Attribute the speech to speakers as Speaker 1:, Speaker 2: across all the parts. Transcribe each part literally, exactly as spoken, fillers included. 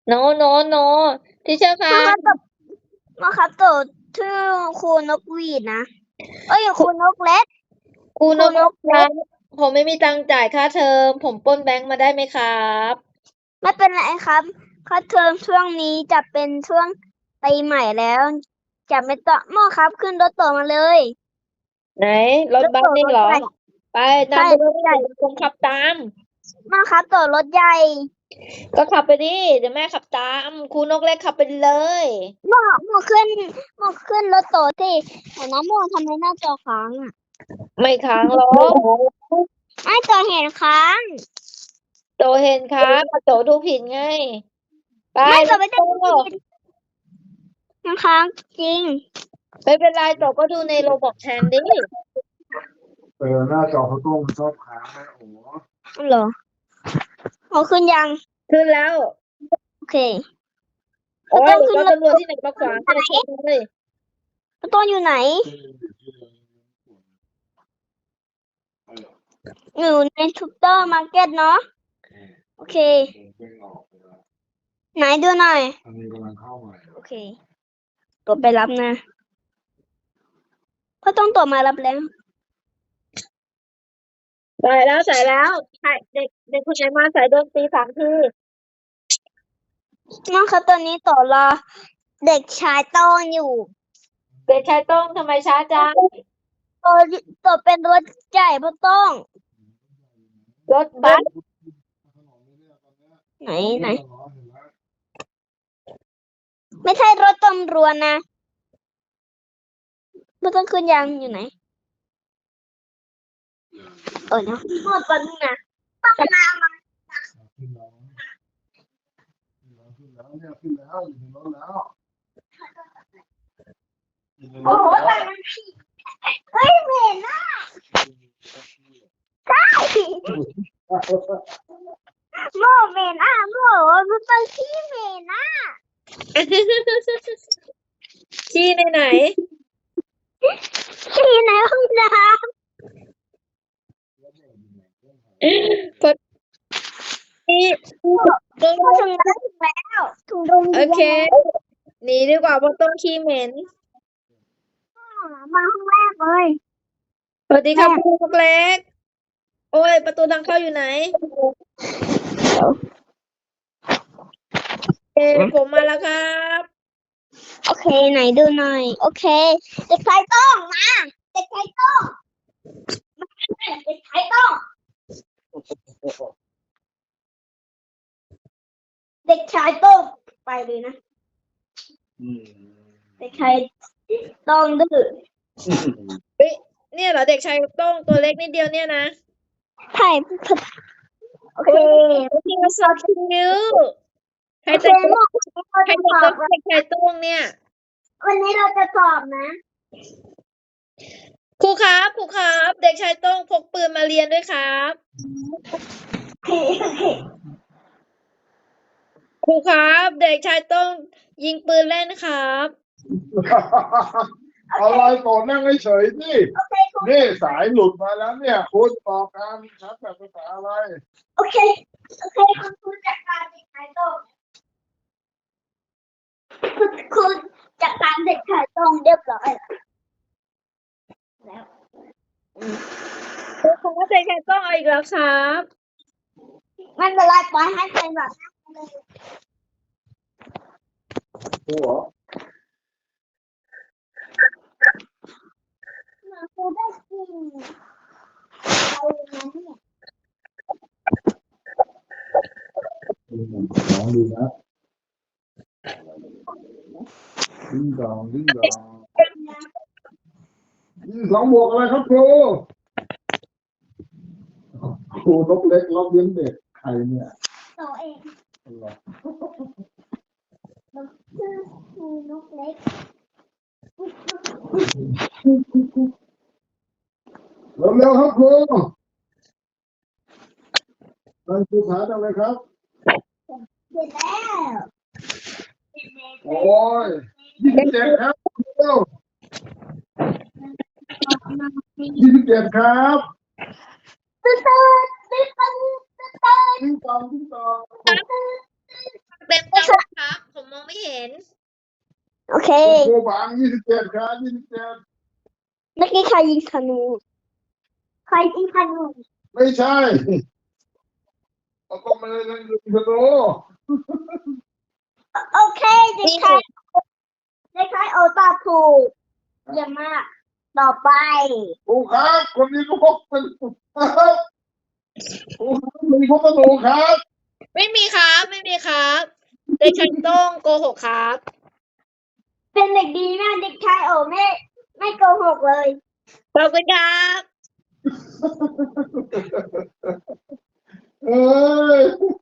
Speaker 1: โนโนโนที่เชื่อค่ะ
Speaker 2: มาครับตบมาครับตบชื่อครูนกหวีดนะเอ้ยครูนกเล็ก
Speaker 1: ครูนก
Speaker 2: ครูนก
Speaker 1: ครั
Speaker 2: เล็ก
Speaker 1: บผมไม่มีตังค์จ่ายค่าเทอมผมปล้นแบงค์มาได้ไหมครับ
Speaker 2: ไม่เป็นไรครับค่าเทอมช่วงนี้จะเป็นช่วงปีใหม่แล้วจะไม่ต้องหม้อครับขึ้นรถต่อมาเลย
Speaker 1: ไหนรถ
Speaker 2: รถต่อ
Speaker 1: บัสนี่เหรอ
Speaker 2: รถใหญ่
Speaker 1: ไป
Speaker 2: ใช่
Speaker 1: นำไปเล
Speaker 2: รถใหญ่
Speaker 1: ยผมขับตาม
Speaker 2: หม้อครับต่อรถใหญ่
Speaker 1: ก็ขับไปดิเดี๋ยวแม่ขับตามครูนกเล็กขับไปเลย
Speaker 2: หม้อหม้อขึ้นหม้อขึ้นรถต่อที่แต่น้ำหม้อทำไมหน้าจอค้างอ่ะ
Speaker 1: ไม่ค้างหรอก
Speaker 2: ไม่จอเห็นค้าง
Speaker 1: โตเห็นครับโตดูผิดไงไป
Speaker 2: ไม่จ
Speaker 1: แล้
Speaker 2: อ
Speaker 1: ว
Speaker 2: ไม่ได้
Speaker 1: โต
Speaker 2: ผิดมันค้างจริง
Speaker 1: ไม่เป็นไรโตก็ดูในโรบอกแทนดิ
Speaker 3: เออหน้าจอเขาต้องชอบค้างนะโอ้โห
Speaker 2: เหรอเอาขึ้นยัง
Speaker 1: ขึ้นแล้ว
Speaker 2: โอเค
Speaker 1: โอ้ย
Speaker 2: ต้องขึ้น
Speaker 1: รถ
Speaker 2: รถ
Speaker 1: ตำรวจที่ไหนมาขวางเนี่ยชนเลย
Speaker 2: ต้นอยู่ไหน อยู่ในซูเปอร์มาร์เก็ตเนาะโอเค
Speaker 3: เด้งออกไปแล้ว
Speaker 2: ไหนดูหน่อย
Speaker 3: อันนี้กำลังเข้าใหม่
Speaker 2: โอเคตัวไปรับนะก็ต้องตัวมารับแล้ว
Speaker 1: ใส่แล้วใส่แล้วใช่เด็กเด็กคนไหนมาใส่โดนตีสามที
Speaker 2: น้องครับตอนนี้ต่อรอเด็กชายต้นอยู่
Speaker 1: เด็กชายโต้งทำไมช้าจัง
Speaker 2: ตัวตัวเป็นรถใหญ่เพราะต้อง
Speaker 1: รถบัส
Speaker 2: ไหนไหนไม่ใช่รถตำรวจนะไม่ต้องขึ้นยังอยู่ไหนเออเนาะรถปันนะต้องมามา
Speaker 3: ขึ้นแล้วขึ้นแล้วเนี่ยขึ้นแล้วอยู่ในรถแล้วอยู่ในร
Speaker 2: โอ้
Speaker 3: ถ
Speaker 2: โห
Speaker 3: แล้ว
Speaker 2: มันผิดเฮ้ยเหม็นอ่ะใช่โม่เหม็นอ่ะโม่มันเป็นขี้เหม็นอ่ะ
Speaker 1: ขี้ในไหน
Speaker 2: ขี้ในห้องน้
Speaker 1: พอดีโดน
Speaker 2: ำถึงแล้วถึงแล้วถึงโรง
Speaker 1: โอ
Speaker 2: เรียน
Speaker 1: เคหนีดีกว่าเพราะต้นขี้เหม็น
Speaker 2: มาห้องแรกเลย
Speaker 1: สวัสดีครับครูนกเล็ก โอ้ย ประตูทางเข้าอยู่ไหนเอผมมาแล้วครับ
Speaker 2: โอเคไหนดูหน่อยโอเคเด็กชายต้องมาเด็กชายต้องมาเด็กชายต้องเด็กชายต้องไปเลยนะ
Speaker 3: อืม
Speaker 2: เด็กชายต้องดื้อ
Speaker 1: เฮ้ยเนี่ยเหรอเด็กชายโต้งตัวเล็กนิดเดียวเนี่ยนะ
Speaker 2: ใช่โอเค
Speaker 1: ที่มาสอบคิวใคร
Speaker 2: โอเค
Speaker 1: แต่ง
Speaker 2: โมก
Speaker 1: ใคร
Speaker 2: เราจะ
Speaker 1: แต่
Speaker 2: ส
Speaker 1: ง
Speaker 2: อบ
Speaker 1: เด็กชายโต้งเนี่ย
Speaker 2: วันนี้เราจะสอบนะ
Speaker 1: ครูครับครูครับ เด็กชายโต้งพกปืนมาเรียนด้วยครับ
Speaker 2: โอเคโอเค
Speaker 1: ครูครับ เด็กชายโต้งยิงปืนเล่นครับ
Speaker 3: อะไรต่อนั่งเฉยๆนี่
Speaker 2: โอเคคุณ
Speaker 3: นี่สายหลุดมาแล้วเนี่ยคุณต่อการชัดแบบภาษาอะไร
Speaker 2: โอเคโอเคคุณครูจัดการเด็กชายต้องคุณครูจัดการเด็กชายต้องเรียบร้อยแล้ว
Speaker 1: ครูครับเด็กชายโต้งเอาอีกแล้วครับ
Speaker 2: ไม่เป็นไรปล่อยให้เป็นแบบนั้นเลย
Speaker 3: ครูเหรอ
Speaker 2: ครูได้กินเอาอย่างนั้นเนี่ย
Speaker 3: ลองดูนะดิ้งดองดิ้งดองสองบวกอะไรครับครูครูนกเล็กรอบเลี้ยงเด็กใครเนี่ย
Speaker 2: ตัวเอง
Speaker 3: อะไร
Speaker 2: ชื่อครูนกเล็ก
Speaker 3: เร็วๆครับครูนั่นครูถามอะไรครับ
Speaker 2: เสร็จแล้ว
Speaker 3: โอ้ยยี่สิบเจ็ดครับเร็วยี่สิบเจ็ดครับ
Speaker 2: ตื่นตื่นตื่นตื่นตื่นตื่น
Speaker 3: ดิ้งดองดิ้งดอง
Speaker 1: เต็มจัง
Speaker 2: เค
Speaker 3: ครูบังยี่สิบเจ็ดครับยี่สิบเจ็ด
Speaker 2: เมื่อกี้ใครยิงธนูใครยิงธนู
Speaker 3: ไม่ใช่เอาก็ไม่ได้เล่นยูโร
Speaker 2: โอเคเด็กชายเด็กชายโอตอบถูกเยี่ยมมากต่อไป
Speaker 3: ครูครับคนนี้ก็พกเป็นครูครับมีพกกระดูกครับ
Speaker 1: ไม่มีครับไม่มีครับเด็กชายโต้งโกหกครับ
Speaker 2: เป็นเด็กดีมากเด็กชายโอไม่ไม่โกหกเลย
Speaker 1: ขอบคุณครับ
Speaker 3: เอ้ย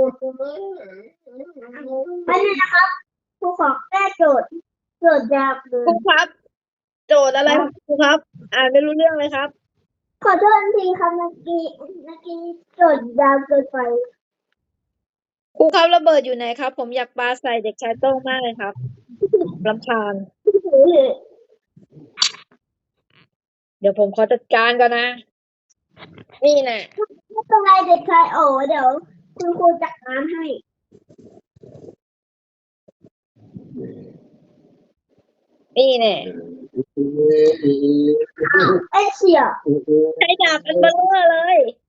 Speaker 2: ไม่เลยนะครับครูขอแก้โจทย์โจทย์ยากเล
Speaker 1: ครู
Speaker 2: ย
Speaker 1: ครับ โจทย์อะไรครับครูครับ อ่านไม่รู้เรื่องเลยครับ
Speaker 2: ขอโทษทีครับเมื่อกี้เมื่อกี้โจทย์ยาวเกินไป
Speaker 1: ครูครับระเบิดอยู่ไหนครับ ผมอยากปาใส่เด็กชายโต้งมากเลยครับรำคาญเดี๋ยวผมขอจัดการก่อนนะ นี่แน่
Speaker 2: ไม่เป็นไรเด็กชายโอเดี๋ยวคุณครูจัดการให้
Speaker 1: นี่แน่
Speaker 2: เอ้ยเฉีย
Speaker 1: ใช้ดาบเป็นเบลเลอร์เลย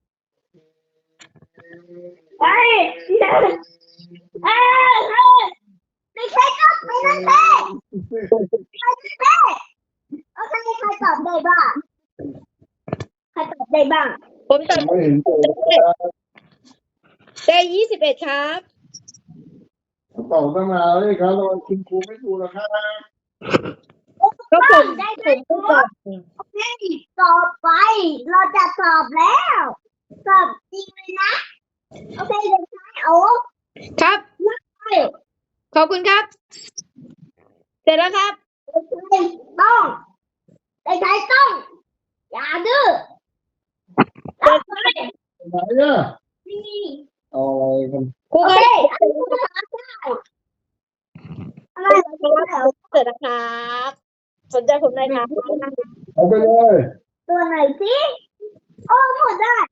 Speaker 2: เอ้ยเอ้ยเอ้ยเด็กชายก็ไปนั่นแหละไปนั่นแหละโอเคใครตอบได้บ้างใครตอบได้บ้าง
Speaker 1: ผมตัด
Speaker 3: ไม่เห็นตัวครับ
Speaker 1: ได้ยี่สิบเอ็ดครับ
Speaker 3: ตอบตั้งนานเลยครับแล้วคุณครูไม่ดูนะครับ
Speaker 1: ก็ผม
Speaker 2: ได้
Speaker 1: ผ
Speaker 2: ได้
Speaker 1: มเพิ่งตอบ
Speaker 2: โอเคต่อไป เราจะสอบแล้วสอบจริงเลยนะ โอเคเด็กชายโอ้
Speaker 1: ครับ
Speaker 2: เฮ้ย
Speaker 1: ขอบคุณครับ เสร็จแล้วครับ
Speaker 2: เด็กชายต้องเด็กชายต้อง อย่าดื้อ
Speaker 1: เปิด
Speaker 2: ไป
Speaker 3: ไหนเนี่ย
Speaker 2: นี่
Speaker 3: เอาอะไรกัน
Speaker 1: ครู
Speaker 2: โอ
Speaker 1: ค
Speaker 2: เครับ อันนี้ภาษาได้อะไร
Speaker 1: ครับผมเสร็จแล้วครับ สนใจผมได้ครับ
Speaker 3: เอาไปเลย
Speaker 2: ตัวไหนสิโอ้หมดได้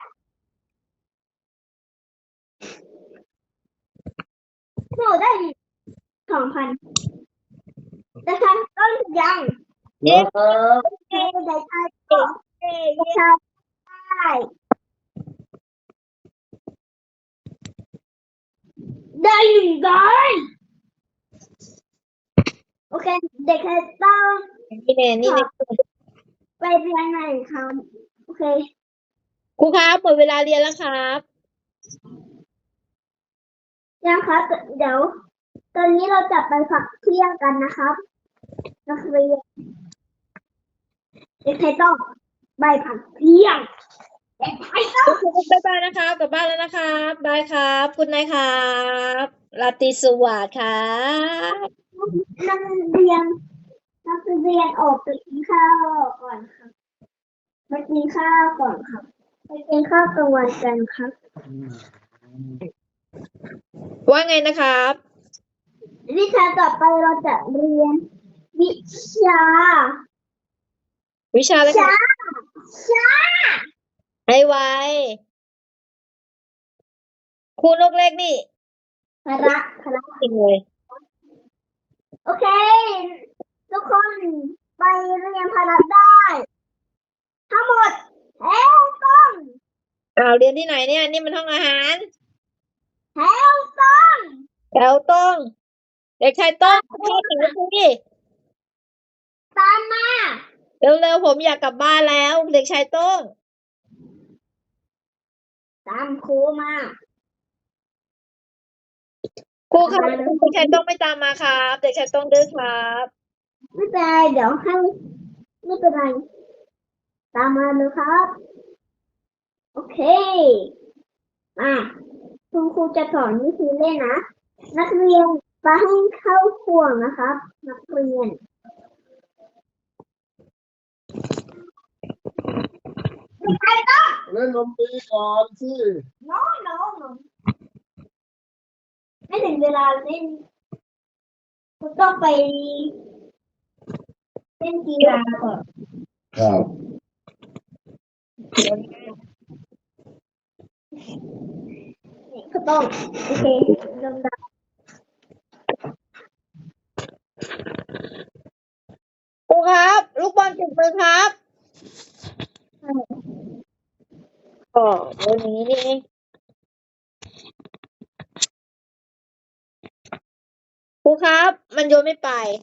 Speaker 2: หมดได้สองพันแต่ฉันต้นยัง
Speaker 3: นะครับ
Speaker 2: เด็กชายต้องเด็กชายได้ได้หนึ่งร้อยโอเค เด็กชายต้อง
Speaker 1: นี่แน่นี่แน่
Speaker 2: ไปเรียนไหนครับโอเค
Speaker 1: ครูครับหมดเวลาเรียนแล้วครับ
Speaker 2: ยังครับเดี๋ยว ตอนนี้เราจะไปพักเที่ยงกันนะครับนักเรียนเด็กชายต้องไปพักเที่ยงเด็กชายต้อง
Speaker 1: บ๊ายบายนะครับกลับบ้านแล้วนะครับบายครับคุณนายครับราตรีสวัสดิ์ครับ
Speaker 2: นักเรียนนักเรียนออกไปกินข้าวก่อนครับไปกินข้าวก่อนครับไปกินข้าวกลางวันกันครับ
Speaker 1: ว่าไงนะครับ
Speaker 2: วิชาต่อไปเราจะเรียน วิชา
Speaker 1: วิชาอะไรค
Speaker 2: ชา
Speaker 1: รับ
Speaker 2: ชา
Speaker 1: ให้ไวครูนกเล็กนี่
Speaker 2: พระพระ
Speaker 1: จริงเลย
Speaker 2: โอเค ทุกคนไปเรียนพละได้ ทั้งหมดแถวต้อง
Speaker 1: อ้าวเรียนที่ไหนเนี่ยนี่มันห้องอาหาร
Speaker 2: แถวต้อง
Speaker 1: แถวต้องเด็กชายต้องเข้าแถวสิ
Speaker 2: ตามมา
Speaker 1: เร็วๆผมอยากกลับบ้านแล้ว เด็กชายต้อง
Speaker 2: ตามครูมา
Speaker 1: ครูครับเด็กชายต้องไม่ตามมาครับ เด็กชายต้องดื้อครับ
Speaker 2: ไม่เป็นไรเดี๋ยวให้ไม่เป็นไร ตามมาเลยครับ โอเคมาคุณครูจะสอนวิธีเล่นนะ นักเรียนไปให้เข้าห่วงนะครับ นักเรียน ใครต้อง
Speaker 3: เล่นดนตรีก่อนสิ
Speaker 2: no no no ไม่ถึงเวลาเล่นคุณต้องไปเล่นกีฬาก่อน
Speaker 3: ครับ
Speaker 2: ก็ต้องโอเคลำดับ
Speaker 1: คนเก็บมือครับอ๋อเดี๋ยวนี้นี่เองครูครับ มันโยนไม่ไป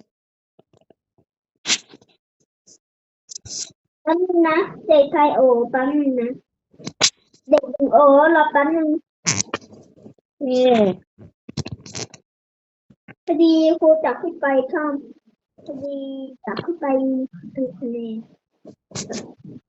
Speaker 2: แป๊บนึงนะเด็กชายโอแป๊บนึงนะเด็กหญิงโอรอแป๊บนึง
Speaker 1: นี่
Speaker 2: พอดีครูจับขึ้นไปข้ามพอดีจับขึ้นไปดูคะแนน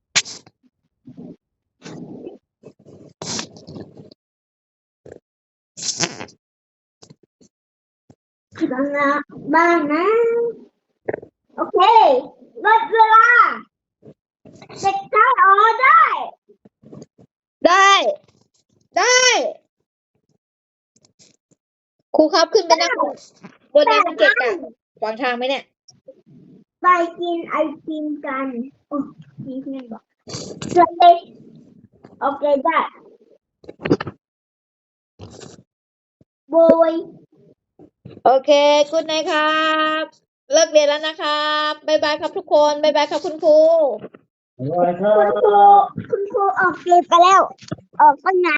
Speaker 2: ครั้งละบ้างนะ โอเคลดเวลาเด็กชายโอได้
Speaker 1: ได้ ได้ครูครับขึ้นไปนั่งบนนั้นมันเกะกะขวางทางไหมเนี่ย
Speaker 2: ไปกินไอติมกันโอ้มีเพื่อนบอกสวัสดีโอเคได้โบย
Speaker 1: โอเคกุดไนครับ เลิกเรียนแล้วนะครับบ๊ายบายครับทุกคนบ๊ายบายครับคุณครู
Speaker 3: อะไรครั
Speaker 2: คุณครู
Speaker 3: บ
Speaker 2: คุณครูออกเรียนไปแล้ว ออกตั้งนาน